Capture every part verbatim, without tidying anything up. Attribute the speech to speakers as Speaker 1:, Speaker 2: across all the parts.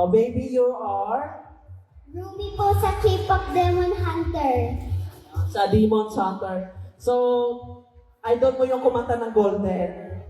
Speaker 1: Oh, baby, you are?
Speaker 2: Rumi po sa K-pop Demon Hunter.
Speaker 1: Sa Demon Hunter. So, idol mo yung kumanta ng Golden.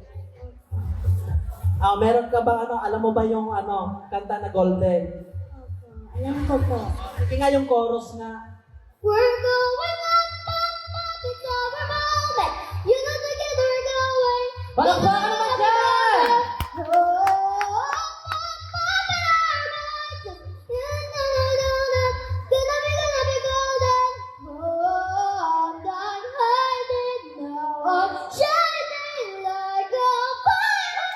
Speaker 1: Ah, meron ka ba ano, alam mo ba yung ano, kanta na Golden?
Speaker 2: Opo, alam ko po.
Speaker 1: Sige nga yung chorus nga.
Speaker 2: We're going up, up, up, it's our moment. You know together we're going.
Speaker 3: Palakpakan naman dyan!
Speaker 2: Oh, up, up, up, in our minds. Na, na, na, na, na. Gonna be, gonna be golden. Oh, I'm done hiding now. I'm shining like a fire.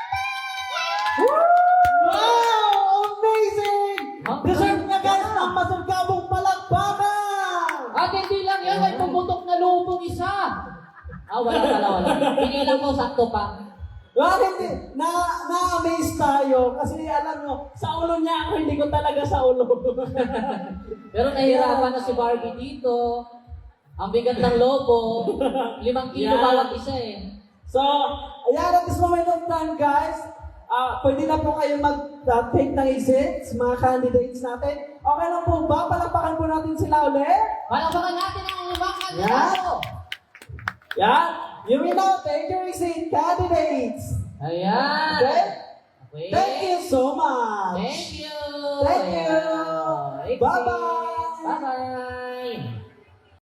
Speaker 1: Wow! Amazing!
Speaker 3: Huh?
Speaker 1: Deserve niya guys ng masagabong palakpakan!
Speaker 3: At hindi lang yan, may pumutok na lubong isa. Ah, wala pala, wala. Pinilang ko, sakto pa.
Speaker 1: Well, hindi. Na, na-amaze tayo kasi alam mo, sa ulo niya ako, hindi ko talaga sa ulo.
Speaker 3: Pero nahihirapan na si Barbie dito. Ang bigat ng lobo. Limang kilo
Speaker 1: Yan.
Speaker 3: bawat isa eh.
Speaker 1: So, ayan, at this moment of time, guys, ah pwede na po kayo mag-take ng exits, mga candidates natin. Okay lang po ba? Palakpakan po natin sila ulit.
Speaker 3: Palakpakan natin ang limang
Speaker 1: Yan.
Speaker 3: kandidato.
Speaker 1: Yan. You will now take your exit, candidates.
Speaker 3: Ayan.
Speaker 1: Okay?
Speaker 3: Okay.
Speaker 1: Thank you so much.
Speaker 3: Thank you.
Speaker 1: Thank you.
Speaker 3: Ayan.
Speaker 1: Bye-bye.